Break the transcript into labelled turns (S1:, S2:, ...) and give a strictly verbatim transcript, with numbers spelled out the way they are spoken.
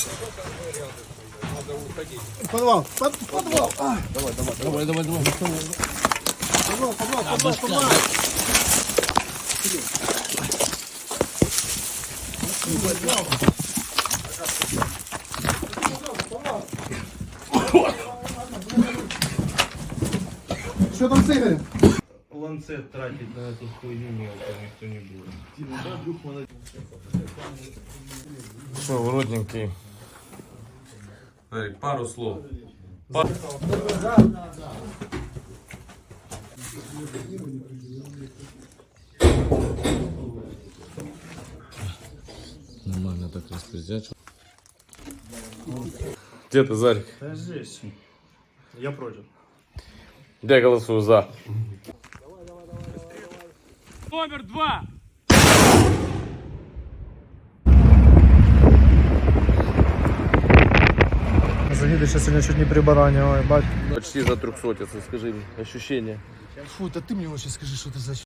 S1: Подвал, под, подвал. А.
S2: Давай, давай, давай, давай, давай.
S1: Подвал, подвал, подвал, подвал. Что там с Игорем?
S3: Ланцет тратить на эту хуйню мелкую никто не будет.
S2: Что, уродненький? Эрик, пару слов. Пар... Нормально так распиздячил. Где ты, Зарик?
S3: Да здесь. Я против.
S2: Я голосую за.
S4: Номер два.
S1: Загидыша сегодня чуть не прибаранил, ебать.
S2: Почти за трехсотицу, скажи мне, ощущения.
S1: Фу, да ты мне лучше скажи, что ты за